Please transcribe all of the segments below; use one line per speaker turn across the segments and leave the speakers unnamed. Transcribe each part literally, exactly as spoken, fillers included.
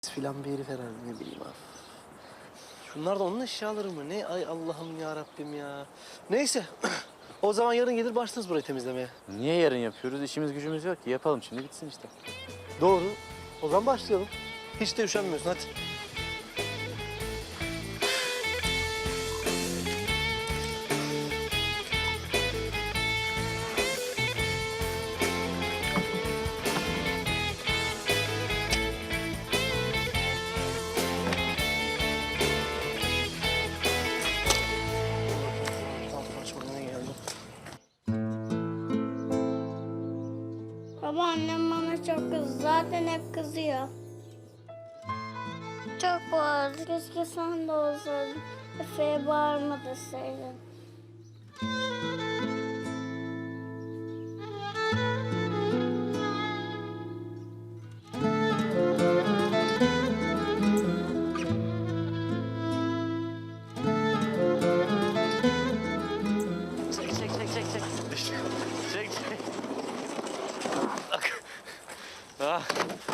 filan bir herif herhalde, ne bileyim abi. Şunlar da onun eşyaları mı? Ne? Ay Allah'ım ya Rabbim ya. Neyse. O zaman yarın gelir başlarız burayı temizlemeye.
Niye yarın yapıyoruz? İşimiz gücümüz yok ki. Yapalım şimdi bitsin işte.
Doğru. O zaman başlayalım. Hiç de üşenmiyorsun, hadi.
Baba annem bana çok kızdı. Zaten hep kızıyor. Çok bağırdı. Keşke sen de olsaydın. Efe'ye bağırma deseydin.
Çek, çek, çek, çek, çek. Çek, çek. Bak. Ah.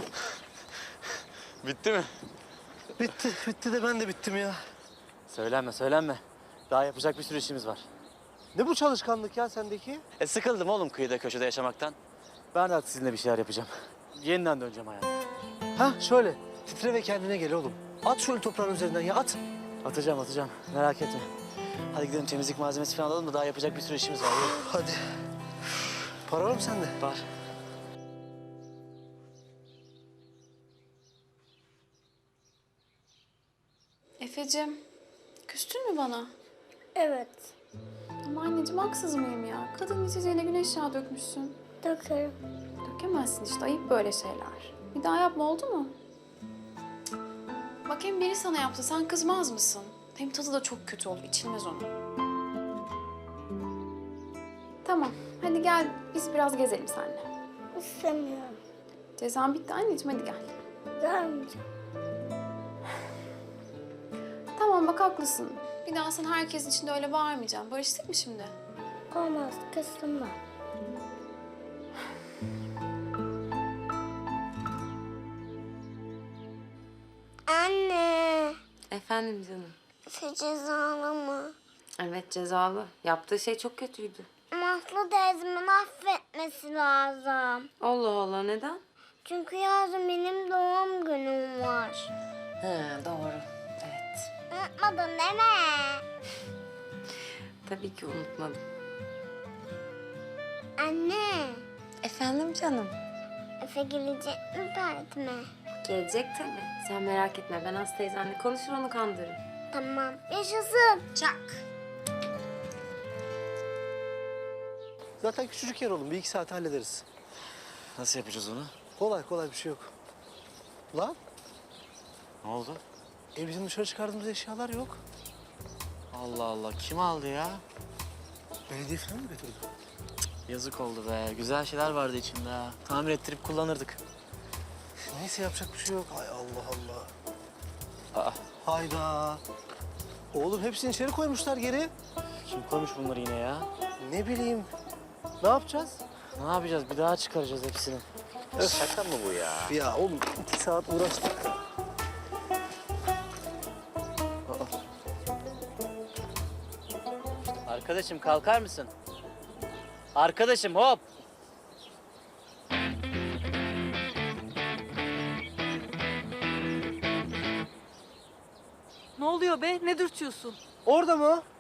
Bitti mi?
Bitti, bitti de ben de bittim ya.
Söylenme, söylenme. Daha yapacak bir sürü işimiz var.
Ne bu çalışkanlık ya sendeki?
E sıkıldım oğlum kıyıda köşede yaşamaktan. Ben de artık sizinle bir şeyler yapacağım. Yeniden döneceğim hayata.
Ha şöyle, titre ve kendine gel oğlum. At şöyle toprağın üzerinden ya, at.
Atacağım, atacağım. Merak etme. Hadi gidelim temizlik malzemesi falan alalım da daha yapacak bir sürü işimiz var. Yürü.
Hadi. Para var mı sende?
Var.
Efe'cim, küstün mü bana?
Evet.
Ama anneciğim haksız mıyım ya? Kadın içeceğine güneş yağı dökmüşsün.
Dökerim.
Dökemezsin işte, ayıp böyle şeyler. Bir daha yapma, oldu mu? Cık. Bak hem biri sana yaptı, sen kızmaz mısın? Hem tadı da çok kötü olur, içilmez onun. Tamam, hadi gel biz biraz gezelim seninle.
İstemiyorum.
Cezan bitti anneciğim, hadi gel.
Gelmeyeceğim.
Tamam bak haklısın. Bir daha sen herkesin içinde öyle bağırmayacaksın. Barıştık mı şimdi?
Olmaz. Kıstım ben. Anne.
Efendim canım.
Efe cezalı mı?
Evet cezalı. Yaptığı şey çok kötüydü.
Mahmut teyzemin affetmesi lazım.
Allah Allah neden?
Çünkü yarın benim doğum günüm var.
He doğru. Evet.
Unutmadın değil mi?
Tabii ki unutmadım.
Anne.
Efendim canım.
Efe gelecek mi partime?
Gelecek tabii. Sen merak etme. Ben Aslı teyzenle konuşur onu kandırırım.
Tamam. Yaşasın.
Çak.
Zaten küçücük yer oğlum, bir iki saat hallederiz.
Nasıl yapacağız onu?
Kolay kolay bir şey yok. Lan,
Ne oldu?
e bizim dışarı çıkardığımız eşyalar yok.
Allah Allah. Kim aldı ya?
Belediye falan mı götürdü?
Yazık oldu be. Güzel şeyler vardı içinde ha. Tamir ettirip kullanırdık.
Neyse yapacak bir şey yok. Ay Allah Allah.
Aa,
Hayda. Oğlum hepsini içeri koymuşlar geri.
kim koymuş bunları yine ya?
Ne bileyim. Ne yapacağız?
Ne yapacağız? Bir daha çıkaracağız hepsini. Şaka mı bu ya?
Ya oğlum iki saat uğraştık.
Arkadaşım kalkar mısın? Arkadaşım hop!
Ne oluyor be? Ne dürtüyorsun?
Orada mı?